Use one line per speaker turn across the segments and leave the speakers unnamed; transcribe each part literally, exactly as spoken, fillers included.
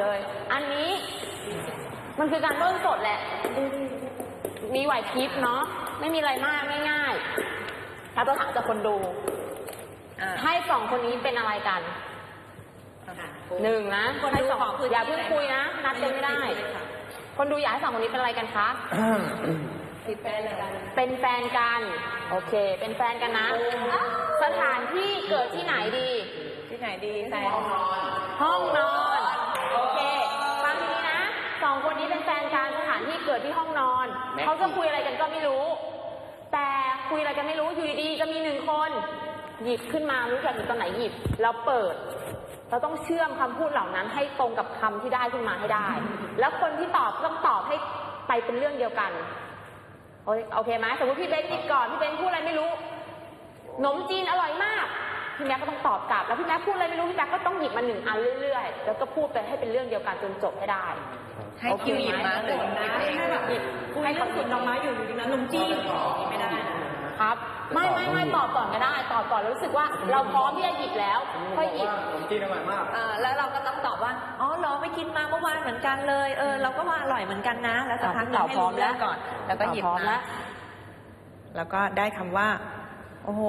อันนี้มันคือการต้นสดแหละมีไหวพริบเนาะไม่มีอะไรมากง่ายๆถ้าเราถามจากคนดูให้สองคนนี้เป็นอะไรกันหนึ่งนะให้สองอย่าเพิ่งคุยนะนัดกันไม่ได้คนดูอยากให้สองคนนี้เป็นอะไรกันคะเป็นแฟนกันเป็นแฟนกันโอเคเป็นแฟนกันนะสถานที่เกิดที่ไหนดีที่ไหนดีแฟนห้องนอนโอเคฟังดีนะสองคนนี้เป็นแฟนกันสถานที่เกิดที่ห้องนอนเขาจะคุยอะไรกันก็ไม่รู้แต่คุยอะไรกันไม่รู้อยู่ดีๆจะมีหนึ่งคนหยิบขึ้นมารู้จักหยิบตอนไหนหยิบแล้วเปิดเราต้องเชื่อมคำพูดเหล่านั้นให้ตรงกับคำที่ได้ขึ้นมาให้ได้แล้วคนที่ตอบต้องตอบให้ไปเป็นเรื่องเดียวกันโอเคไหมสมมติพี่เบนหยิบก่อนพี่เบนพูดอะไรไม่รู้ขนมจีนอร่อยมากพี่แม็กก็ต้องตอบกลับแล้วพี่แม็กพูดอะไรไม่รู้พี่แม็กก็ต้องหยิบมาหนึ่งอันเรื่อยๆแล้วก็พูดไปให้เป็นเรื่องเดียวกันจนจบให้ได้
ให้คิวหยิบมาหรือให้แบบหยิบให้คนสุดดอกไม้อยู่อยู่ดีนะขนมจีนไม่ได้
ครับไม่ไม่ไม่ตอบก่อนก็ได้ตอบก่อนรู้สึกว่าเราพร้อมที่จะหยิบแล้วค่อยหยิบ
ขนมจีนอร่อยมาก
อ่าแล้วเราก็ต้องตอบว่าอ๋อเหรอไปกินมาเมื่อวานเหมือนกันเลยเออเราก็ว่าอร่อยเหมือนกันนะแล้วสักพักเราให้รู้แล้วก่อนแล้วก็หยิบมาแล้วก็ได้คำว่าโอ้โห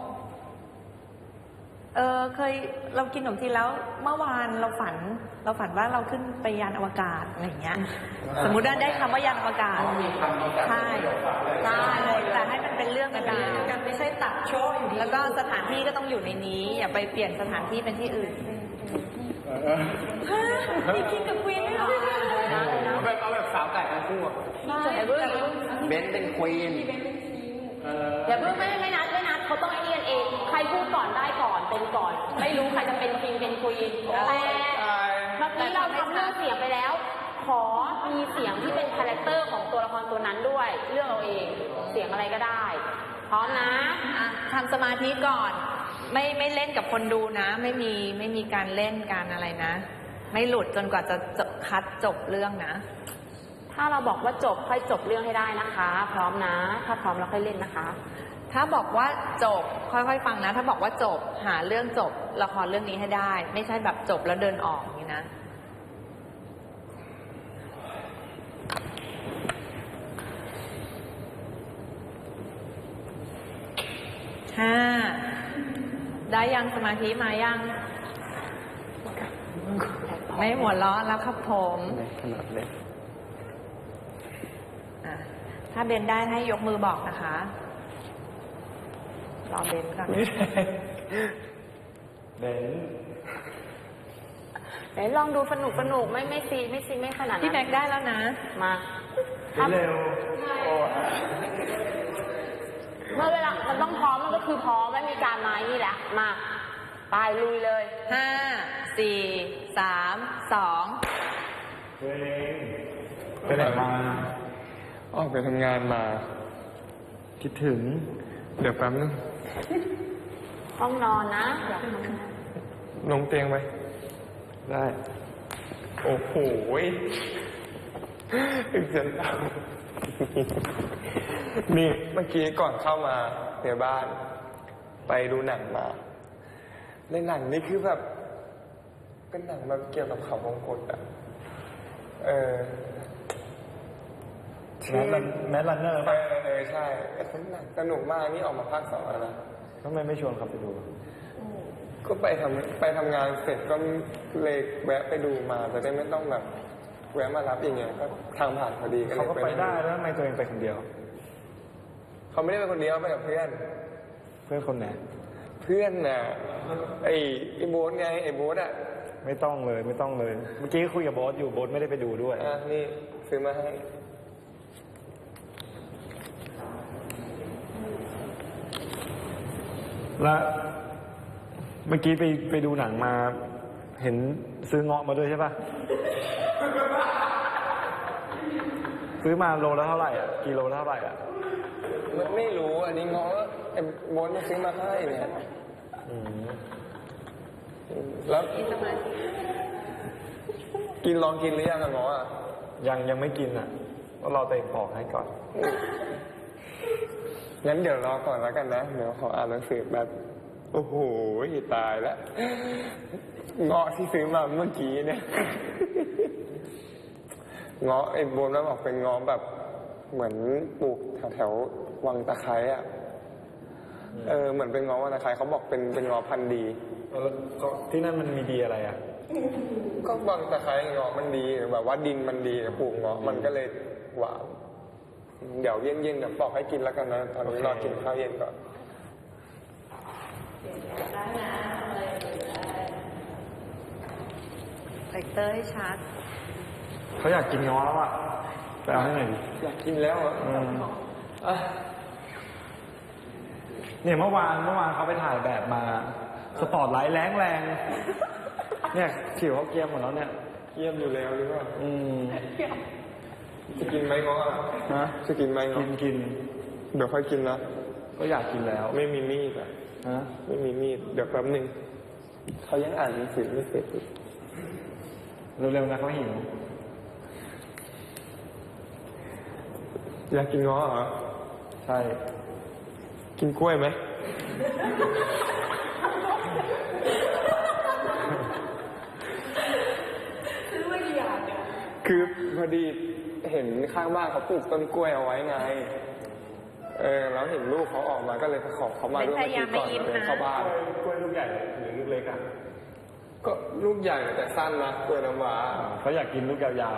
เออเคยเรากินขนมจีนแล้วเมื่อวานเราฝันเราฝันว่าเราขึ้นไปยานอวกาศอะไรอย่างเงี้ยสมมุติว่าได้คำว่ายานอวกาศใช่ใช่แต่ให้มันเป็นเรื่องเป็นราวกันไม่ใช่ตัดโชว์อยู่แล้วก็สถานที่ก็ต้องอยู่ในนี้อย่าไปเปลี่ยนสถานที่เป็นที่อื่นฮะนี่กินกับควีนไม่หรอ
เอาแบบเอาแบบสาวไก่ทั้งคู่
เบน
เป็นควีน
อย่าเพิ่งไม่ไม่นัดไม่นัดเขาต้องไอ้นี่กันเองใครพูดก่อนได้ก่อนเป็นก่อนไม่รู้ใครจะเป็นคิงเป็นควีนแต่เมื่อกี้เราทำเรื่องเสียงไปแล้วขอมีเสียงที่เป็นคาแรคเตอร์ของตัวละครตัวนั้นด้วยเรื่องเราเองเสียงอะไรก็ได้พร้อมนะ
ทำสมาธิก่อนไม่ไม่เล่นกับคนดูนะไม่มีไม่มีการเล่นการอะไรนะไม่หลุดจนกว่าจะคัดจบเรื่องนะ
ถ้าเราบอกว่าจบค่อยจบเรื่องให้ได้นะคะพร้อมนะถ้าพร้อมเราค่อยเล่นนะคะ
ถ้าบอกว่าจบค่อยๆฟังนะถ้าบอกว่าจบหาเรื่องจบละครเรื่องนี้ให้ได้ไม่ใช่แบบจบแล้วเดินออกอย่างนี้นะห้าได้ยังสมาธิมายังไม่หัวเราะแล้วครับผม
ขนาดเล็ก
ถ้าเบนได้ให้ยกมือบอกนะคะรอเบนก่อน
เบน
ไหนลองดูสนุกสนุกไม่ไม่ซีไม่ซีไม่ขนาดนั้น
พี่แม็กได้แล้วนะ
มา
เร็ว
เมื่อเวลามันต้องพร้อมมันก็คือพร้อมไม่มีการไม้นี่แหละมาไปลุยเลย
ห้าสี่สามสอง
เฮ้ยไปไหนมาออกไปทำงานมาคิดถึงเดี๋ยวแป๊บนึง
ห้องนอนนะ
ลงเตียงไปได้โอ้โหถึงจะเล่านี่เมื่อกี้ก่อนเข้ามาในบ้านไปดูหนังมาในหนังนี่คือแบบเป็นหนังแบบเกี่ยวกับเขาวงกตอ่ะเออ
แมสลันแมสลันเนอร์ป่ะ
เออใช่เป็นหนังสนุกมากนี่ออกมาภาคสองแล้วนะ
ทำไมไม่ชวนเขาไปดู
ก็ไปทำไปทำงานเสร็จก็เลยแวะไปดูมาจะได้ไม่ต้องแบบแวะมารับอย่างเงี้ยก็ทางผ่านพอดี
เขาก็ไปได้แล้วทำไมตัวเองไปคนเดียว
เขาไม่ได้ไปคนเดียวไปกับเพื่อน
เพื่อนคนไหน
เพื่อนน่ะไอ้ไอ้โบ๊ทไงไอ้โบ๊ทอ่ะ
ไม่ต้องเลยไม่ต้องเลยเมื่อกี้คุยกับโบ๊ทอยู่โบ๊ทไม่ได้ไปดูด้วย
อ่ะนี่ซื้อมาให้
แล้วเมื่อกี้ไปไปดูหนังมาเห็นซื้อเงาะมาด้วยใช่ป่ะซื้อมาโลละเท่าไหร่อ่ะกิโลละเท่าไหร่อ่ะ
มันไม่รู้อันนี้เงาะไอ้โบ๊ทมาซื้อมาให้เนี่ยแล้วกินลองกินหรือยังอะเงาะอ่ะ
ยังยังไม่กินอ่ะก็รอตัวเองปอกให้ก่อน
งั้นเดี๋ยวรอก่อนแล้วกันนะเดี๋ยวขออ่านหนังสือแบบโอ้โหตายแล้วเงาะที่ซื้อมาเมื่อกี้เนี่ยเงาะไอ้โบนแล้วบอกเป็นเงาะแบบเหมือนปลูกแถวๆวังตะไคร้อ่ะเออเหมือนเป็นเงาะวังตะไคร้เขาบอกเป็นเป็นเงาะพันธุ์ดี
แล้วก็ที่นั่นมันมีดีอะไรอ่ะ
ก็วังตะไคร้เงาะมันดีแบบว่าดินมันดีปลูกเงาะมันก็เลยหวานเดี๋ยวเย็นๆเดี๋ยวปอกให้กินแล้วกันนะตอนนี้รอกินข้าวเย็นก่อน
คาแรคเตอร์ให้ชัด
เขาอยากกินง้อแล้วอ่ะไปเอาให้หน่อยดิ
อยากกินแล้วอ่ะ
อืม
อ่ะ
เนี่ยเมื่อวานเมื่อวานเขาไปถ่ายแบบมา สปอร์ตไลท์แรงแรงเนี่ยผิวเขาเกรียมหมดแล้วเนี่ย
เยี่ยมอยู่แล้วหรือเปล่า
อืม
จะกินไหมง้ออ่ะ
ฮะ
จะกินไหม
กิ
ง้อน
กิน
เดี๋ยวค่อยกินนะ
ก็อยากกินแล้ว
ไม่มีมีดอ่ะ
ฮะ
ไม่มีมีดเดี๋ยวแป๊บหนึงเขายังอ่านหนังสือไม่เสร็จอีก
เร็วๆนะเขาหิว
อยากกินง้อเหรอ
ใช่
กินกล้วยไหมคือพอดีเห็นข้างบ้านเขาปลูกต้นกล้วยเอาไว้ไง เออแล้วเห็นลูกเขาออกมาก็เลยขอเขามาด้วย
ไม่พยายาม
ก่อน
ไม่ยิ้มนะ
เดินเข้าบ้าน
กล้วยลูกใหญ่หรือลูกเล็กอ่ะ
ก็ลูกใหญ่แต่สั้นนะกล้วยน้ำว้า
เขาอยากกินลูกยาว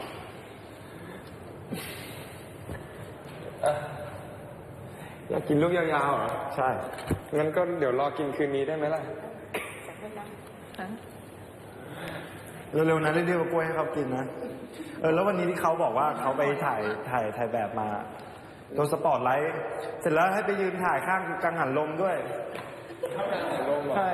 อ่ะอยากกินลูกยาวๆเหรอ
ๆ ใช่
งั้นก็เดี๋ยวรอกินคืนนี้ได้ไหมล่ะ
เร็วๆนะเรียกว่ากล้วยให้เขากินนะ เออแล้ววันนี้ที่เขาบอกว่าเขาไปถ่ายถ่ายถ่ายแบบมาโดนสปอร์ตไลท์เสร็จแล้วให้ไปยืนถ่ายข้างกังหันลมด้วย ใช่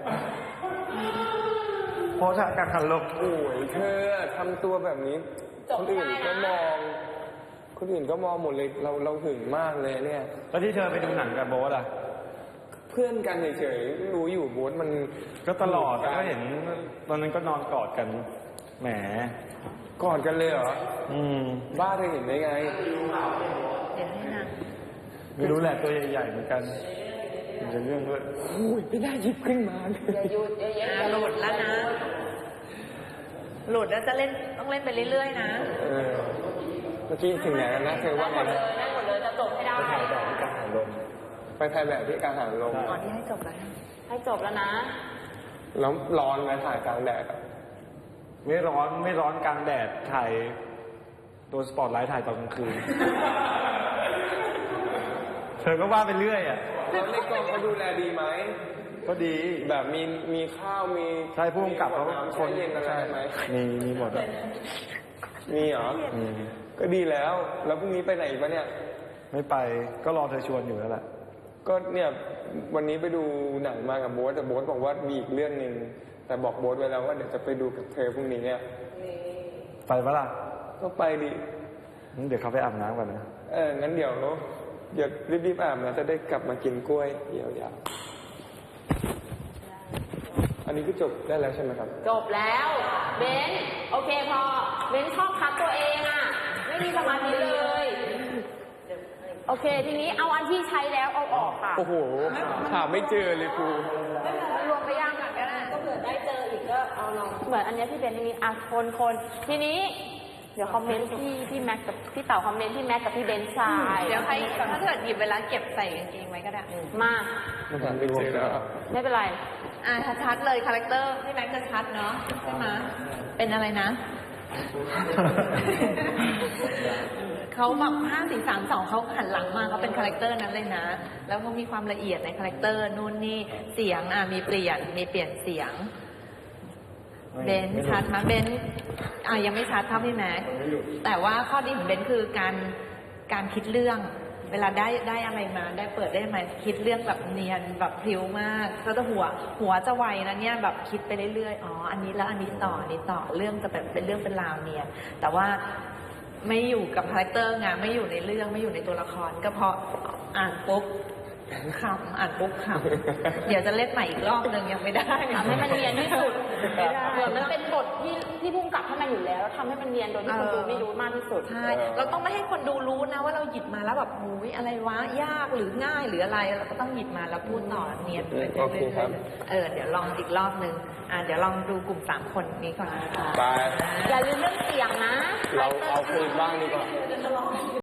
โพสท่ากังหันลม
โอ้ยเธอทำตัวแบบนี้ คนอื่นก็มอง คนอื่นก็มองหมดเลย เราเราหึงมากเลยเนี่ย
แล้วที่เธอไปดูหนังกับโบ๊ทอ่ะ
เพื่อนกันเฉยๆรู้อยู่โบ๊ทมัน
ก็ตลอด
กั
ก็เห็นตอนนั้นก็นอนกอดกัน แหม
กอดกันเลยเหรอ
อืม
บ้าเธอเห็นได้ไง
เดี๋ยวให้นาง
ไม่รู้แหละตัวใหญ่ๆเหมือนกันมันจะเรื่องด้วย
โอ้ยไม่ได้หยิบขึ้นมาเลย
อย่าหยุดอย่าอย่า
อ่าหลุดแล้วนะ หลุดแล้วจะเล่นต้องเล่นไปเรื่อยๆนะ
เออเมื่อกี้ถึงไหนแล้วนะเธอว่า
หม
ไง
ดเล
นะ
ยนั่นหมดเลยจะจบให้ได้
ไปถ่ายแบบที่กังหันลม
ไปถ่ายแบบที่กลางหันลม
อ๋อที่ให้จบแล้ว
ให้จบแล้วนะ
แล้วร้อนไหมถ่ายกลางแดดอะ
ไม่ร้อนไม่ร้อนกลางแดดถ่ายโดนสปอตไลท์ถ่ายตอนกลางคืน เธอก็ว่าไปเรื่อยอ่ะ
แล้วในกองเขาดูแลดีไหม
ก็ดี
แบบมีมีข้าวมี
ใช่ผู้กำกับเขา
มีขวดน้ำแช่เย็นอะไรไหม
มีมีหมดอ่ะ
มีเหรอ
อืม
ก็ดีแล้ว แล้วพรุ่งนี้ไปไหนอีกปะเนี่ย
ไม่ไปก็รอเธอชวนอยู่นั่นแหละ
ก็เนี่ยวันนี้ไปดูหนังมากับโบ๊ทแต่โบ๊ทบอกว่ามีอีกเรื่องหนึ่งแต่บอกโบ๊ทไว้แล้วว่าเดี๋ยวจะไปดูกับเธอพรุ่งนี้เนี่ย
ไปปะล่ะ
ก็ไปดิ
งั้นเดี๋ยวเขาไปอาบน้ำก่อนนะ
เอองั้นเดี๋ยวเดี๋ยวรีบๆอาบนะจะได้กลับมากินกล้วยยาวๆอันนี้ก็จบได้แล้วใช่ไหมครับ
จบแล้วเบนโอเคพอเบนชอบคัดตัวเองอ่ะ ไม่มีสมาธิเลย โอเค ทีนี้เอาอันที่ใช้แล้วเอาออกค่ะ
โอ้โหหาไม่เจอเลยครู
รวมไปยังก็ได้ก็เผื่อได้เจออีกก็เอาลองเหมือนอันเนี้ยที่เบนมีอ่ะคนคนทีนี้ เดี๋ยวคอมเมนต์พี่พี่แม็กกับพี่เต๋าคอมเมนต์พี่แม็กกับพี่เบนชาย
เดี๋ยวใครถ้าเกิดหยิบเวลาเก็บใส่กางเกงไว้ก็ได้
มา
หาไม่เจอแล้ว
ไม่เป็นไร
อ่าชัดๆเลยคาแรคเตอร์พี่แม็กซ์จะชัดเนาะใช่ไหมเป็นอะไรนะ เขาแบบห้าสี่สามสองเขาหันหลังมาเขาเป็นคาแรคเตอร์นั้นเลยนะ แล้วเขามีความละเอียดในคาแรคเตอร์นู่นนี่เสียงอ่ะมีเปลี่ยนมีเปลี่ยนเสียง เบนซ์ชัดมั้ยเบนซ์อ่ะยังไม่ชัดเท่าพี่แม็กซ์แต่ว่าข้อดีของเบนซ์คือการการคิดเรื่อง เวลาได้ได้อะไรมาได้เปิดได้มาคิดเรื่องแบบเนียนแบบพลิ้วมากก็จะหัวหัวจะไวนะเนี่ยแบบคิดไปเรื่อยๆอ๋ออันนี้แล้วอันนี้ต่ออันนี้ต่อเรื่องจะเป็นเป็นเรื่องเป็นราวเนียนแต่ว่าไม่อยู่กับคาแรคเตอร์ไงไม่อยู่ในเรื่องไม่อยู่ในตัวละครก็เพราะอ่านปุ๊บขำอ่านปุ๊บขำเดี๋ยวจะเล่นใหม่อีกรอบหนึ่งยังไม่ได้
ทำให้มันเนียนที่สุด
ไม่ได้
เหมือนมันเป็นบทที่ที่พุ่งกลับให้มันอยู่แล้วแล้วทำให้มันเนียนโดยที่คนดูไม่รู้มากที่สุด
ใช่เราต้องไม่ให้คนดูรู้นะว่าเราหยิบมาแล้วแบบหูยอะไรวะยากหรือง่ายหรืออะไรเราก็ต้องหยิบมาแล้วพูดต่อเนียนไปเรื่อย
โอเคครับ
ๆเออเดี๋ยวลองอีกรอบหนึ่งอ่าเดี๋ยวลองดูกลุ่มสามคนนี้ก่อนนะคะ
ไป
อย่าลืมเรื่องเสียงนะ
รเราเอาคืนบ้างดีกว่า